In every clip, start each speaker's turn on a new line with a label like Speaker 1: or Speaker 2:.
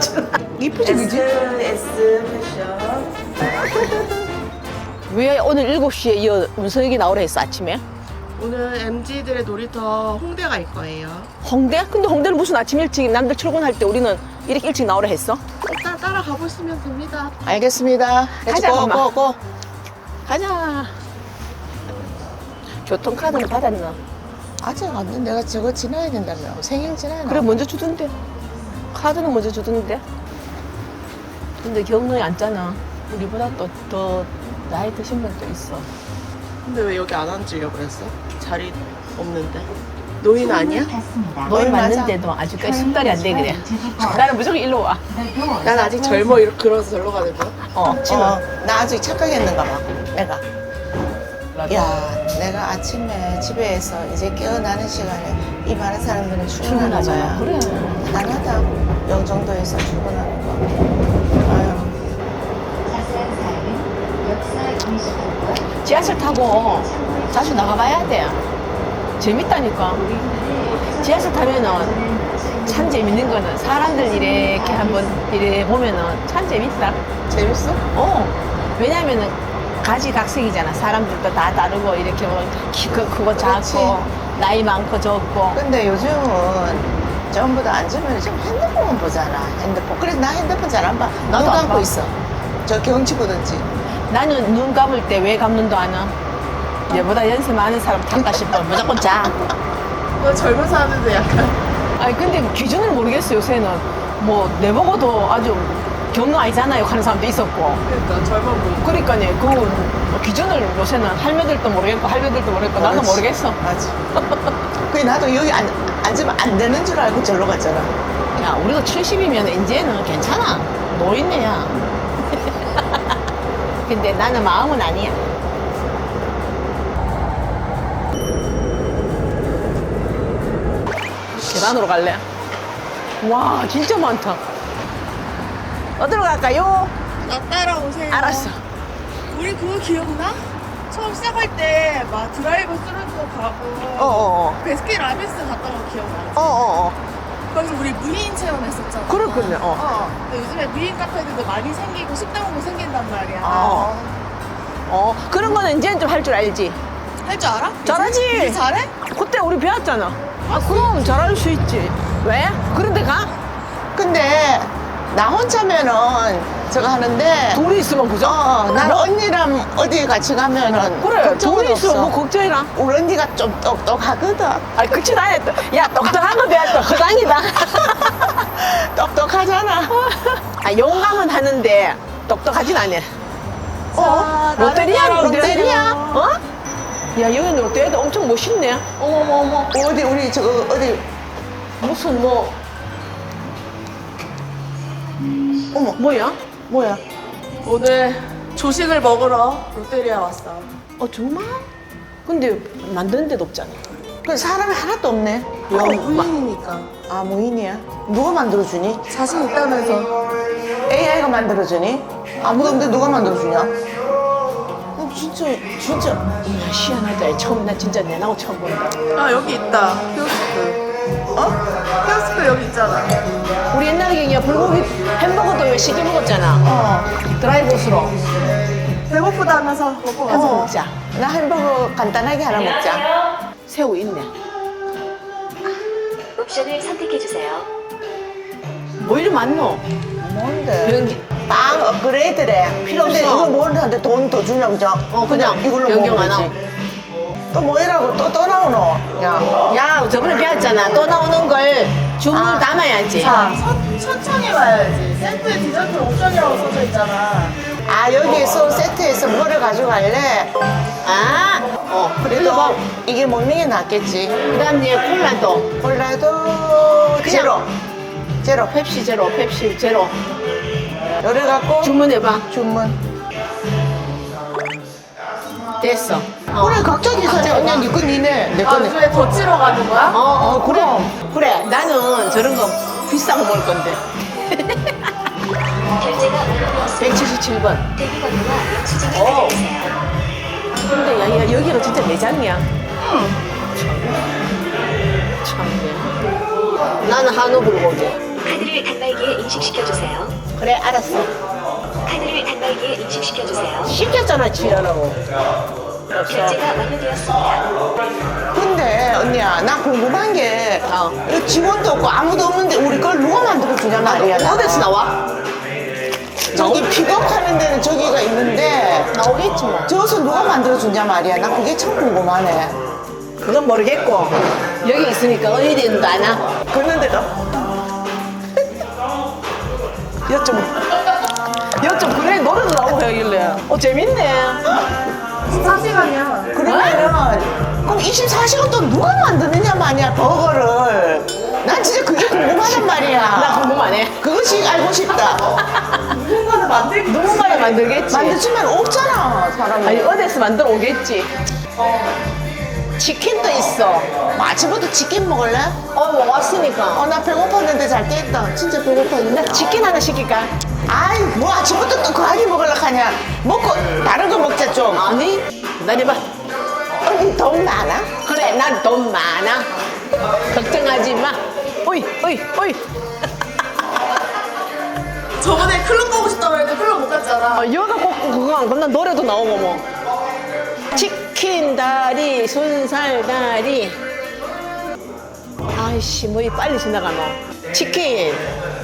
Speaker 1: 이쁘지 그지?
Speaker 2: S 패션.
Speaker 1: 왜 오늘 7시에 이 운석이 나오라 했어 아침에?
Speaker 2: 오늘 MZ들의 놀이터 홍대 갈 거예요.
Speaker 1: 홍대? 근데 홍대는 무슨 아침 일찍 남들 출근할 때 우리는 이렇게 일찍 나오라 했어?
Speaker 2: 일단 따라가 보시면 됩니다.
Speaker 1: 알겠습니다. 가자
Speaker 2: 고,
Speaker 1: 엄마.
Speaker 2: 고.
Speaker 1: 가자. 교통카드는 받았나?
Speaker 3: 아직 안 돼. 내가 저거 지나야 된다며. 생일 지나야
Speaker 1: 그래 먼저 주던데. 카드는 먼저 주던데. 근데 경로에 앉잖아. 우리보다 또 더 나이 드신 분도 있어.
Speaker 2: 근데 왜 여기 안 앉으려고 그랬어? 자리 없는데. 노인 아니야?
Speaker 1: 너희 맞는데도 아직까지 숙달이 안 돼 그래. 나는 무조건 일로 와.
Speaker 2: 난 아직 젊어 이렇게 그러서 절로 가는 거야?
Speaker 1: 진호.
Speaker 3: 나 아직 착각했는가 봐. 내가. 야, 내가 아침에 집에서 이제 깨어나는 시간에 이 많은 사람들은 출근하는 거야.
Speaker 1: 그래.
Speaker 3: 대단하다. 영종도에서 출근하는 거. 아유.
Speaker 1: 지하철 타고 자주 나가봐야 돼. 재밌다니까. 지하철 타면은 참 재밌는 거는 사람들 이렇게 한번 이래 보면은 참 재밌다.
Speaker 3: 재밌어?
Speaker 1: 왜냐면은 가지각색이잖아. 사람들도 다 다르고 이렇게 뭐 키가 크고
Speaker 3: 그렇지.
Speaker 1: 작고 나이 많고 적고.
Speaker 3: 근데 요즘은 전부 다 앉으면 지금 핸드폰만 보잖아. 핸드폰. 그래서 나 핸드폰 잘 안 봐.
Speaker 1: 나도
Speaker 3: 눈
Speaker 1: 안
Speaker 3: 감고
Speaker 1: 봐.
Speaker 3: 있어. 저 경치 보든지.
Speaker 1: 나는 눈 감을 때 왜 감는도 안 와. 얘보다 연세 많은 사람 탈까 싶어. 무조건 자.
Speaker 2: 너 젊은 사람인데 약간.
Speaker 1: 아니 근데 기준을 모르겠어 요새는. 뭐 내보고도 아주 경로 아니잖아요 하는 사람도 있었고.
Speaker 2: 그러니까 젊어 보이고.
Speaker 1: 그러니까요. 그 기준을 요새는 할매들도 모르겠고 할배들도 모르겠고 나도
Speaker 3: 그렇지.
Speaker 1: 모르겠어.
Speaker 3: 맞아. 그래 나도 여기 앉으면 안 되는 줄 알고 절로 갔잖아.
Speaker 1: 야 우리도 70이면 이제는 괜찮아. 노인네야. 근데 나는 마음은 아니야. 계단으로 갈래? 와 진짜 많다. 어디로 갈까요?
Speaker 2: 나 따라오세요.
Speaker 1: 알았어.
Speaker 2: 우리 그거 기억나? 처음 시작할 때 막 드라이브 스루도 가고
Speaker 1: 어어어.
Speaker 2: 베스킨 라빈스 갔다 온 거 기억나?
Speaker 1: 어어어.
Speaker 2: 거기서 우리 무인 체험했었잖아.
Speaker 1: 그렇군요.
Speaker 2: 근데 요즘에 무인 카페들도 많이 생기고 식당도 생긴단 말이야.
Speaker 1: 그런 거는 이제는 좀 할 줄 알지.
Speaker 2: 할 줄 알아?
Speaker 1: 잘하지.
Speaker 2: 이제 잘해?
Speaker 1: 그때 우리 배웠잖아. 그럼 잘할 수 있지. 왜? 그런데 가?
Speaker 3: 근데 나 혼자면은 저거 하는데
Speaker 1: 둘이 있으면 그죠?
Speaker 3: 난 언니랑 어디 같이 가면은
Speaker 1: 그래.
Speaker 3: 걱정은
Speaker 1: 둘이 있으면
Speaker 3: 없어.
Speaker 1: 뭐 걱정이나.
Speaker 3: 우리 언니가 좀 똑똑하거든.
Speaker 1: 아니 그치 나야 또. 야 똑똑한 거 배웠다. 허당이다.
Speaker 3: 똑똑하잖아.
Speaker 1: 용감은 하는데 똑똑하진 않아. 롯데리아?
Speaker 3: 롯데리아?
Speaker 1: 어? 야 여기는 롯데리아도 엄청 멋있네.
Speaker 2: 어머머머.
Speaker 3: 어디 우리 저거 어디
Speaker 1: 무슨 뭐
Speaker 3: 어머
Speaker 1: 뭐야?
Speaker 3: 뭐야?
Speaker 2: 오늘 조식을 먹으러 롯데리아 왔어.
Speaker 1: 정말? 근데 만드는 데도 없잖아.
Speaker 3: 그 사람이 하나도 없네.
Speaker 2: 무인이니까.
Speaker 3: 아 무인이야? 누가 만들어주니?
Speaker 2: 자신 있다면서.
Speaker 3: AI가 만들어주니? 아무도 없는데 누가 만들어주냐? 진짜
Speaker 1: 야 희한하다. 처음 나 진짜 내 나고 처음 본다.
Speaker 2: 아 여기 있다. 키오스크. 키오스크 여기 있잖아.
Speaker 1: 우리 옛날에 그냥 불고기 햄버거도 왜 시켜 먹었잖아. 드라이브스로
Speaker 2: 배고프다 하면서 먹고
Speaker 1: 해서
Speaker 2: 가자.
Speaker 1: 먹자.
Speaker 3: 나 햄버거 간단하게 하나 먹자.
Speaker 1: 새우 있네.
Speaker 4: 옵션을 선택해주세요.
Speaker 1: 뭐 이리 많노?
Speaker 3: 뭔데?
Speaker 1: 변기.
Speaker 3: 빵 업그레이드래.
Speaker 1: 필요
Speaker 3: 근데
Speaker 1: 없어.
Speaker 3: 이걸 모르는데 돈 더 주냐 그죠?
Speaker 1: 그냥
Speaker 3: 이걸로
Speaker 1: 변경
Speaker 3: 먹으면
Speaker 1: 안
Speaker 3: 되지. 또 뭐이라고 또 나오노? 야.
Speaker 1: 야 저번에 배웠잖아. 또 나오는 걸 주문 담아야지.
Speaker 2: 자, 천천히 봐야지. 세트 디저트 옵션이라고 써져 있잖아.
Speaker 3: 아 여기에서 세트에서 뭐를 가져갈래? 그래도 이게 먹는 게 낫겠지.
Speaker 1: 그다음 이제 콜라도
Speaker 3: 콜라도 제로. 제로.
Speaker 1: 펩시 제로, 펩시 제로.
Speaker 3: 요래 갖고
Speaker 1: 주문해봐.
Speaker 3: 주문.
Speaker 1: 됐어.
Speaker 3: 그래 각자 계산해. 언니야 니거 니네 내
Speaker 2: 아,
Speaker 3: 거네.
Speaker 2: 요즘에 더 치러 가는 거야?
Speaker 1: 그래. 나는 저런 거 비싼 거 먹을 건데.
Speaker 4: 결제가 완료되었습니다.
Speaker 1: 177번.
Speaker 4: 대기번호와 영수증을 가져주세요.
Speaker 1: 근데 야, 여기가 진짜 매장이야. 참. 나는 한우 불고기.
Speaker 4: 카드를 단말기에 인식시켜주세요.
Speaker 1: 그래, 알았어.
Speaker 4: 카드를 단말기에 인식시켜주세요.
Speaker 1: 시켰잖아, 지연하고. 없어.
Speaker 4: 결제가 완료되었습니다.
Speaker 3: 근데 언니야 나 궁금한 게 이거 직원도 없고 아무도 없는데 우리 걸 누가 만들어 주냐 말이야. 나.
Speaker 1: 어디서 나와?
Speaker 3: 저기 픽업하는 데는 저기가 있는데
Speaker 1: 나오겠지 뭐.
Speaker 3: 저기서 누가 만들어 주냐 말이야. 나 그게 참 궁금하네.
Speaker 1: 그건 모르겠고. 여기 있으니까 어디 있는도 아나?
Speaker 3: 그런데도
Speaker 1: 여쭤 그래, 노래도 나오고 해길래. 재밌네.
Speaker 2: 4시간이야.
Speaker 3: 그러면은 그럼 24시간 동안 누가 만드느냐 말이야 버거를. 난 진짜 그게 궁금하단 말이야.
Speaker 1: 나 궁금하네.
Speaker 3: 그것이 알고 싶다.
Speaker 2: 누군가는 만들기
Speaker 1: 누군가는 만들겠지.
Speaker 3: 만들지만 없잖아 사람이.
Speaker 1: 아니, 어디서 만들어 오겠지. 치킨도 있어.
Speaker 3: 뭐 아침부터 치킨 먹을래?
Speaker 1: 먹었으니까.
Speaker 3: 나 배고팠는데 잘 깼다. 진짜 배고팠는데.
Speaker 1: 치킨 하나 시킬까?
Speaker 3: 아이 뭐 아침부터 또 거하게 먹으려고 하냐. 먹고 다른 거 먹자 좀.
Speaker 1: 아니, 기다려봐.
Speaker 3: 언니 돈 많아?
Speaker 1: 그래, 난 돈 많아. 걱정하지 마. 오이.
Speaker 2: 저번에 클럽 가고 싶다고 했는데 클럽 못 갔잖아.
Speaker 1: 여가 꼭 그거 안 그럼 노래도 나오고 뭐. 치킨 다리, 순살 다리. 아이씨, 뭐 이 빨리 지나가노. 치킨.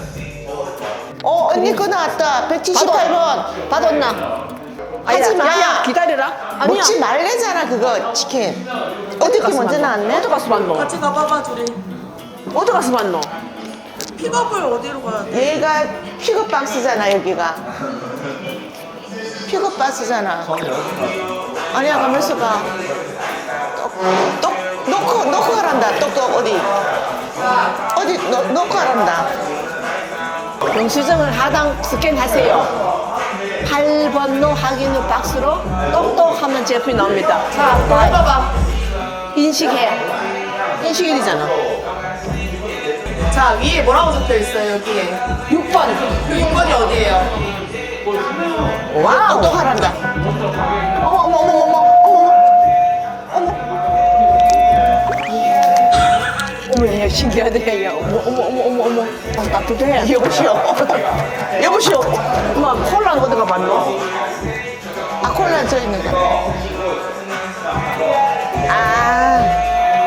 Speaker 3: 언니 거 나왔다. 178번.
Speaker 1: 받았나?
Speaker 3: 하지 마.
Speaker 1: 야, 기다려라. 아니야.
Speaker 3: 먹지 말래잖아 그거 치킨. 어떻게
Speaker 1: 가서
Speaker 3: 먼저
Speaker 1: 봤노?
Speaker 3: 나왔네?
Speaker 1: 어디 가서 봤노?
Speaker 2: 같이 가봐봐 둘이.
Speaker 1: 어디 가서 봤노?
Speaker 2: 픽업을 어디로 가야 돼?
Speaker 3: 얘가 픽업 박스잖아 여기가. 픽업 박스잖아. 아니야 가면서 가. 똑 놓고 가란다. 똑똑 어디 놓고 가란다.
Speaker 1: 영수증을 하단 스캔하세요. 8번로 확인 후 박스로 똑똑 하면 제품이 나옵니다.
Speaker 2: 자, 너 해봐봐.
Speaker 1: 인식해. 인식이 되잖아.
Speaker 2: 자, 위에 뭐라고 적혀 있어요, 여기에?
Speaker 1: 6번.
Speaker 2: 6번이 어디예요?
Speaker 3: 와 똑똑 하란다.
Speaker 1: 어머, 야, 신기하네. 야, 어머. 따뜻해.
Speaker 3: 여보시오.
Speaker 1: 엄마, 콜라는 어디가 봤노?
Speaker 3: 아 콜라 저 있는 거. 아.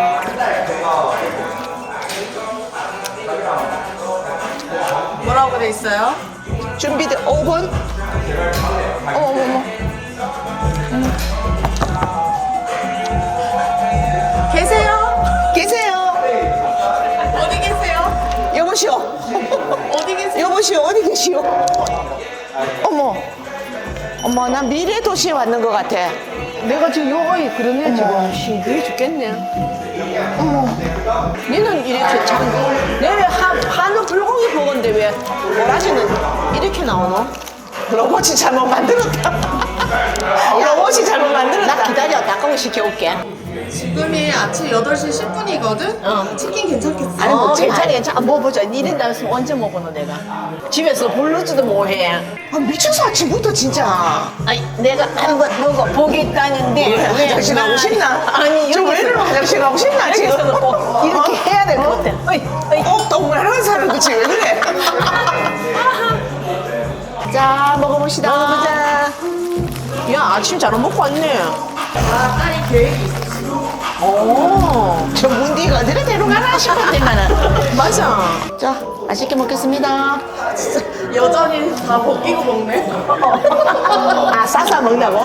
Speaker 2: 뭐라고 돼 있어요?
Speaker 3: 준비돼 5분. 어머. 계세요.
Speaker 2: 어디 계세요?
Speaker 3: 여보시오.
Speaker 2: 어디 계세요?
Speaker 3: 여보시오 어디 계시오? 어머 난 미래 도시에 왔는 것 같아.
Speaker 1: 내가 지금 요거이 그러네, 지금. 신기해 죽겠네.
Speaker 3: 어머.
Speaker 1: 니는 이렇게 참, 내왜 한우 불고기 먹었는데 왜 오라지는 이렇게 나오노?
Speaker 3: 로봇이 잘못 만들었다. 로봇이 잘못
Speaker 1: 나
Speaker 3: 만들었다.
Speaker 1: 기다려, 닭강정 시켜올게.
Speaker 2: 지금이 아침 8시 10분이거든?
Speaker 1: 어.
Speaker 2: 치킨 괜찮겠어?
Speaker 3: 아니, 먹지 마.
Speaker 1: 괜찮아. 뭐 보자. 니는 나서 언제 먹어노, 내가? 집에서 부르지도 뭐해.
Speaker 3: 아, 미쳐서 아침부터 진짜.
Speaker 1: 아니, 내가 한번 너가 보겠다는데.
Speaker 3: 왜 화장실 가고 싶나?
Speaker 1: 아니,
Speaker 3: 지금 왜 이러나 화장실 가고 싶나 지금?
Speaker 1: 여기서는 꼭 이렇게 해야 될 것 같아. 어이.
Speaker 3: 동물하는 사람도 지금 왜 그래? 자 먹어봅시다.
Speaker 1: 먹어보자. 야, 아침 잘 먹고 왔네.
Speaker 2: 아, 딸이 계획이 있어.
Speaker 1: 오.
Speaker 3: 저 문디가 어디로 데려가나 싶었지만은.
Speaker 1: 맞아.
Speaker 3: 자 맛있게 먹겠습니다.
Speaker 2: 여전히 다 벗기고 먹네.
Speaker 1: 아, 싸싸 먹나고?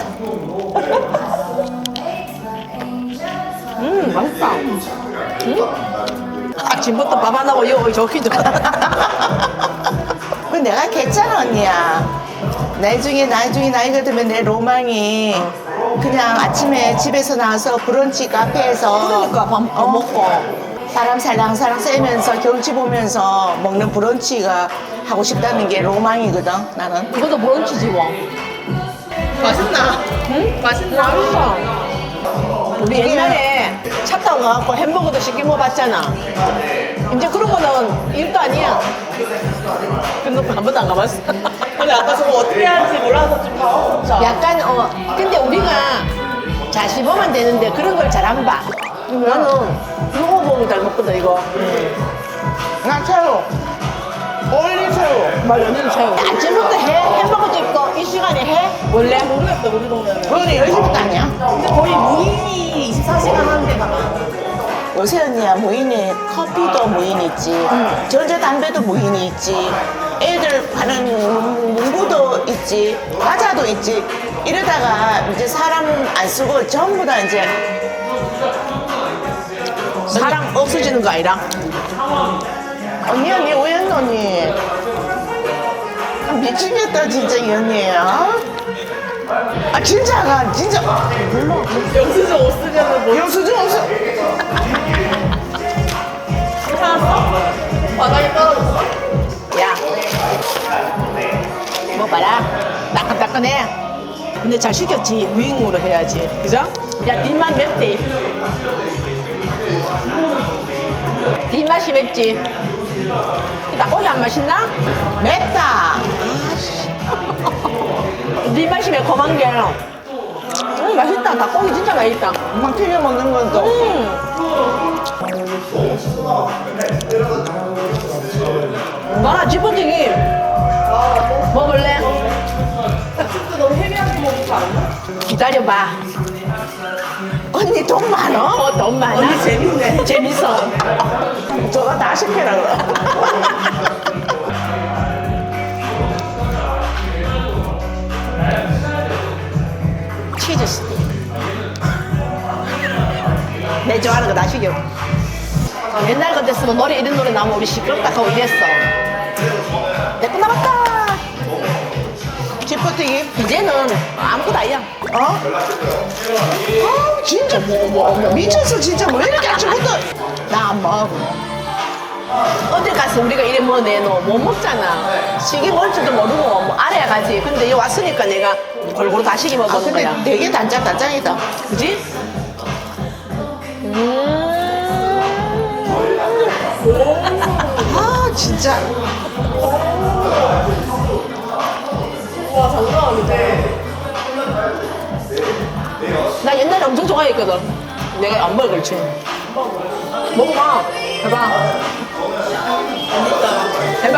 Speaker 1: 맛있다. 아침부터 밥 안 하고 여기 저기도.
Speaker 3: 그 내가 괜찮아 언니야. 나중에 나이가 들면 내 로망이 그냥 아침에 집에서 나와서 브런치 카페에서
Speaker 1: 그러니까 밥 먹고.
Speaker 3: 바람 살랑살랑 쐬면서 경치 보면서 먹는 브런치가 하고 싶다는 게 로망이거든 나는.
Speaker 1: 이것도 브런치지 뭐.
Speaker 2: 맛있나?
Speaker 1: 응?
Speaker 2: 맛있나?
Speaker 1: 맛있어. 우리 옛날에 차 타고 가갖고 햄버거도 시켜 먹어봤잖아. 이제 그런 거는 일도 아니야. 근데 한 번도 안 가봤어.
Speaker 2: 근데 아까 저거 어떻게 하는지 몰라서 좀 당황했어.
Speaker 1: 약간 근데 우리가 자시 보면 되는데 그런 걸 잘 안 봐. 나는 이거 보면 잘 먹거든 이거.
Speaker 3: 나 새우. 올리새우.
Speaker 1: 맞아, 언니는 새우. 아침부터 해? 햄버거도 있고, 이 시간에 해? 원래?
Speaker 2: 모르겠다 우리 동네는.
Speaker 3: 그거는 10시부터 아니야?
Speaker 2: 근데 거의 무인이 24시간 하는 데가 많아.
Speaker 3: 요새 언니야 무인이 커피도 무인 있지. 전자담배도 무인이 있지. 애들 파는 문구도 있지. 과자도 있지. 이러다가 이제 사람 안 쓰고 전부 다 이제
Speaker 1: 사람 없어지는 거 아니라?
Speaker 3: 언니 오였노 언니. 아, 미치겠다 진짜 이 언니야. 아 진짜 몰라.
Speaker 2: 영수증 못 쓰려면 뭐
Speaker 3: 영수증 없어.
Speaker 2: 바닥에 떨어졌어?
Speaker 1: 야. 뭐 봐라. 따끈따끈해. 근데 잘 시켰지. 무잉으로 해야지. 그죠? 야, 뒷맛 맵지? 뒷맛이 맵지? 닭고기 안 맛있나?
Speaker 3: 맵다.
Speaker 1: 뒷맛이 매콤한 게. 맛있다. 닭고기 진짜 맛있다.
Speaker 3: 막 튀겨 먹는 것도.
Speaker 1: 너나 지퍼튀김 먹을래?
Speaker 2: 진짜 너무 헤비하게 먹지 않나?
Speaker 1: 기다려봐.
Speaker 3: 언니 돈 많어?
Speaker 1: 돈 많아?
Speaker 2: 언니 재밌네.
Speaker 1: 재밌어.
Speaker 3: 저거 다 시켜라 그래.
Speaker 1: 치즈 스틱. 내 좋아하는 거 다 시켜. 옛날 같았으면 노래 이런 노래 나오면 우리 시끄럽다 하고 이랬어. 내 거 남았다.
Speaker 3: 지퍼튀김?
Speaker 1: 이제는 아무것도 아니야.
Speaker 3: 어? 아 진짜 미쳤어 진짜 왜 이렇게 아침부터 나 안 먹어.
Speaker 1: 어딜 가서 우리가 이래 뭐 내놓어 못 먹잖아. 시기 먹을 줄도 모르고 뭐 알아야 가지. 근데 여기 왔으니까 내가 골고루 다 시기
Speaker 3: 아
Speaker 1: 먹는
Speaker 3: 근데
Speaker 1: 거야.
Speaker 3: 되게 단짠이다.
Speaker 1: 그지?
Speaker 3: 아 진짜.
Speaker 2: 와 장난 아닌데.
Speaker 1: 나 옛날에 엄청 좋아했거든. 내가 안 먹을 줄. 먹어봐. 해봐. 해봐.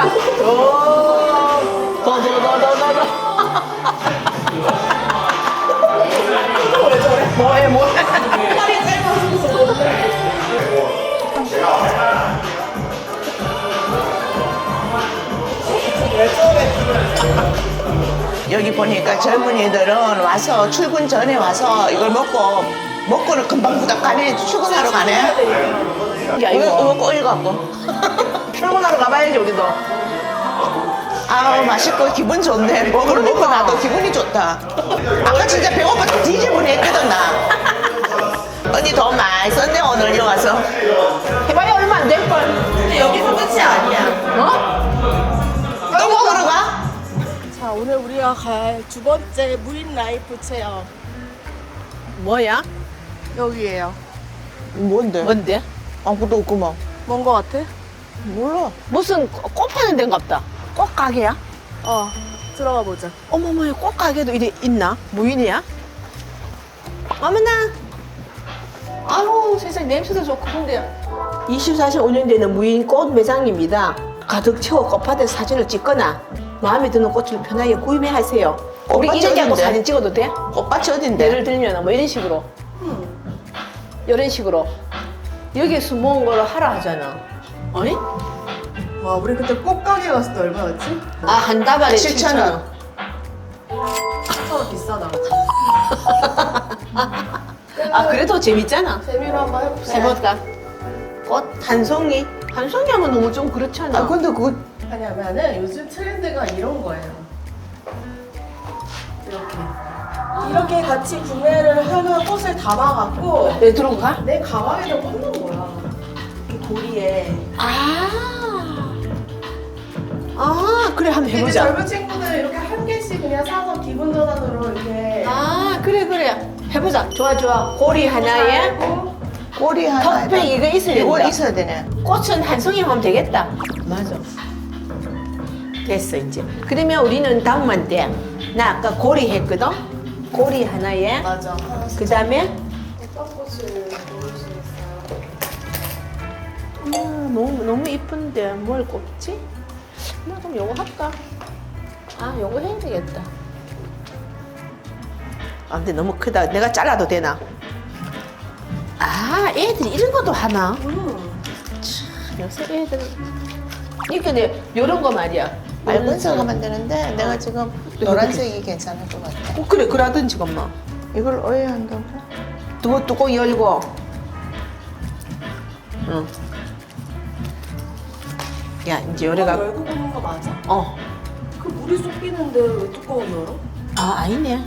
Speaker 1: 더. 뭐해.
Speaker 2: 팔이 짧아서
Speaker 3: 여기 보니까 젊은이들은 와서 출근 전에 와서 이걸 먹고는 금방 부닥 가네. 출근하러 가네.
Speaker 1: 야,
Speaker 3: 이거
Speaker 1: 이거.
Speaker 3: 먹고 읽었고.
Speaker 1: 출근하러 가봐야지, 우리도.
Speaker 3: 아우 맛있고 기분 좋네. 먹고 나도 기분이 좋다. 아까 진짜 배고파 뒤집어니 했거든 나. 언니 돈 많이 썼네 오늘 여기 와서.
Speaker 1: 해봐야 얼마 안 될걸.
Speaker 2: 근데 여기서 끝이 아니야.
Speaker 1: 어?
Speaker 3: 또 먹으러 가?
Speaker 2: 자 오늘 우리가 갈 두 번째 무인 라이프 체험
Speaker 1: 뭐야?
Speaker 2: 여기에요.
Speaker 3: 뭔데?
Speaker 1: 뭔데?
Speaker 3: 아무것도 없구만.
Speaker 2: 뭔 거 같아?
Speaker 3: 몰라.
Speaker 1: 무슨 꽃 파는 데인갑다. 꽃 가게야?
Speaker 2: 들어가 보자.
Speaker 1: 어머머, 꽃 가게도 이래 있나? 무인이야? 어머나. 아우, 세상에 냄새도 좋고 근데 24시 운영되는 무인 꽃 매장입니다. 가득 채워 꽃밭에서 사진을 찍거나 마음에 드는 꽃을 편하게 구입하세요. 우리
Speaker 3: 꽃밭이
Speaker 1: 이렇게 하고
Speaker 3: 어딘데?
Speaker 1: 사진 찍어도 돼?
Speaker 3: 꽃밭이 어딘데?
Speaker 1: 예를 들면 뭐 이런 식으로 이런 식으로 여기에 숨어온 거를 하라 하잖아. 아니?
Speaker 2: 와 우리 그때 꽃가게 갔을 때 얼마였지?
Speaker 1: 아, 한 다발에
Speaker 3: 7,000원.
Speaker 2: 7,000원 비싸다.
Speaker 1: 아, 그래도 재밌잖아.
Speaker 2: 재미로 한번 해봅시다.
Speaker 1: 해볼까? 꽃 한 송이? 한 송이 하면 너무 좀 그렇잖아.
Speaker 3: 아 근데 그거
Speaker 2: 왜냐면은 요즘 트렌드가 이런 거예요. 이렇게 같이 구매를 하는 꽃을 담아갖고
Speaker 1: 내 들어가?
Speaker 2: 내 가방에다 꽂는 거야. 이 고리에.
Speaker 1: 아, 그래, 한번
Speaker 2: 이제
Speaker 1: 해보자.
Speaker 2: 젊은 친구들 이렇게 한 개씩 그냥 사서 기분 전환으로 이렇게.
Speaker 1: 아, 그래. 해보자. 좋아. 고리 하나에
Speaker 3: 꼬리 하나.
Speaker 1: 턱백 이거 있어야
Speaker 3: 이거
Speaker 1: 된다.
Speaker 3: 있어야 되네.
Speaker 1: 꽃은 한 송이 하면 되겠다. 맞아. 됐어, 이제. 그러면 우리는 다음만 돼. 나 아까 고리 했거든? 고리 하나에.
Speaker 2: 맞아.
Speaker 1: 그 다음에
Speaker 2: 어떤 꽃을 고를 수 있어요?
Speaker 1: 너무 이쁜데 뭘 꼽지? 나 그럼 요거 할까? 아, 요거 해야 되겠다. 아, 근데 너무 크다. 내가 잘라도 되나? 아, 애들이 이런 것도 하나? 참, 요새 애들. 이렇게 내 요런 거 말이야.
Speaker 3: 얇은색을 만드는데 내가 지금 노란색이 괜찮을 것 같아.
Speaker 1: 그래, 그러든지, 엄마.
Speaker 3: 이걸 어야 한다고?
Speaker 1: 뚜껑 열고. 응. 야, 이제 요래가.
Speaker 2: 열고 보는 거 맞아? 그 물이 쏟기는데 왜 뚜껑을 열어?
Speaker 1: 아, 아니네.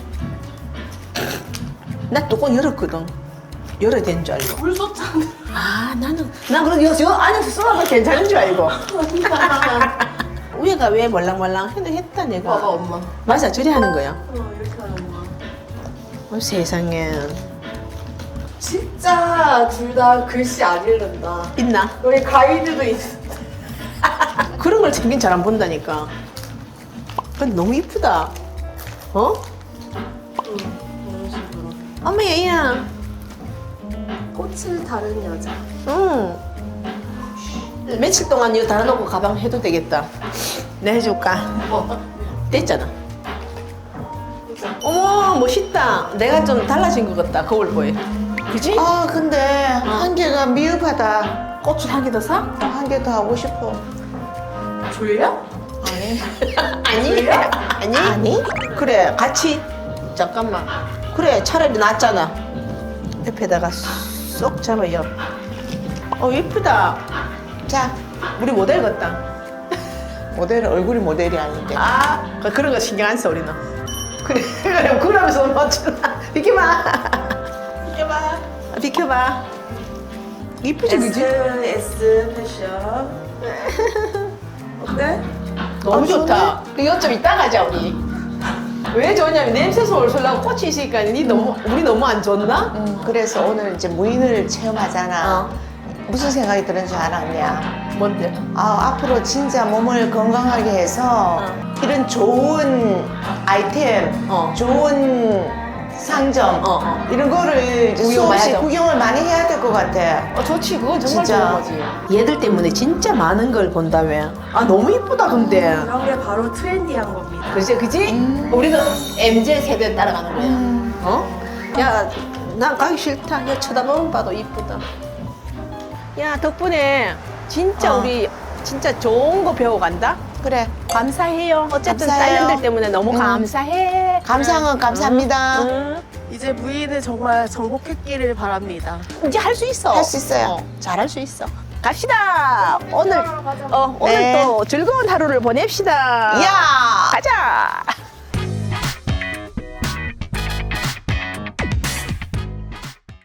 Speaker 1: 나 뚜껑 열었거든. 열어야 되는 줄 알고.
Speaker 2: 물 쏟잖아.
Speaker 1: 아, 난 그래도 요 안에서 쏘아도 괜찮은 줄 알고. 위에가 왜 몰랑몰랑 했다, 내가.
Speaker 2: 봐봐 엄마.
Speaker 1: 맞아, 저리 하는 거야.
Speaker 2: 이렇게 하는 거야.
Speaker 1: 세상에.
Speaker 2: 진짜 둘 다 글씨 안 읽는다.
Speaker 1: 있나?
Speaker 2: 여기 가이드도 있어.
Speaker 1: 그런 걸 챙긴 잘 안 본다니까. 근데 너무 이쁘다. 어?
Speaker 2: 이런 식으로.
Speaker 1: 엄마, 얘야.
Speaker 2: 꽃을 다른 여자.
Speaker 1: 응. 며칠 동안 이거 달아놓고 가방 해도 되겠다. 내가 해줄까? 됐잖아. 어머, 멋있다. 내가 좀 달라진 것 같다, 거울보에. 그지?
Speaker 3: 아 근데 한 개가 미흡하다.
Speaker 1: 꽃을 한 개 더 사?
Speaker 3: 한 개 더 하고 싶어.
Speaker 2: 졸려?
Speaker 3: 아니.
Speaker 1: 아니. 아니?
Speaker 3: 아니?
Speaker 1: 그래, 같이. 잠깐만. 그래, 차라리 낫잖아. 옆에다가 쏙 잡아요. 예쁘다.
Speaker 3: 자,
Speaker 1: 우리 모델 같다.
Speaker 3: 모델은 얼굴이 모델이 아닌데.
Speaker 1: 아, 그런 거 신경 안 써, 우리는. 그래, 그러면서 맞추나. 비켜봐. 비켜봐. 비켜봐. 이쁘지, 그지?
Speaker 2: S 패션. 어때?
Speaker 1: 너무 좋다. 이거 좀 이따 가자, 우리. 왜 좋냐면 냄새 솔솔하고 꽃이 있으니까 우리 너무 안 좋나?
Speaker 3: 그래서 오늘 이제 무인을 체험하잖아. 무슨 생각이 드는 줄 알았냐?
Speaker 1: 뭔데?
Speaker 3: 아, 앞으로 진짜 몸을 건강하게 해서 이런 좋은 아이템, 좋은 상점 이런 거를 이제
Speaker 1: 구경
Speaker 3: 수없이
Speaker 1: 많이
Speaker 3: 구경을 많이 해야 될 것 같아.
Speaker 1: 좋지, 그건 정말
Speaker 3: 진짜.
Speaker 1: 좋은 거지. 얘들 때문에 진짜 많은 걸 본다며. 아, 너무 이쁘다, 근데.
Speaker 2: 이런 게 바로 트렌디한 겁니다.
Speaker 1: 그지? 우리는 MZ 세대 따라가는 거야. 어? 야, 난 가기 싫다. 야, 쳐다보면 봐도 이쁘다. 야, 덕분에 진짜 우리 진짜 좋은 거 배워간다?
Speaker 3: 그래.
Speaker 1: 감사해요. 어쨌든
Speaker 3: 감사해요.
Speaker 1: 딸년들 때문에 너무 감사해.
Speaker 3: 감상은 감사합니다.
Speaker 1: 응.
Speaker 2: 이제 무인을 정말 정복했기를 바랍니다.
Speaker 1: 이제 할 수 있어.
Speaker 3: 할 수 있어요.
Speaker 1: 잘할 수 있어. 갑시다. 오늘
Speaker 3: 네.
Speaker 1: 또 즐거운 하루를 보냅시다.
Speaker 3: 야!
Speaker 1: 가자.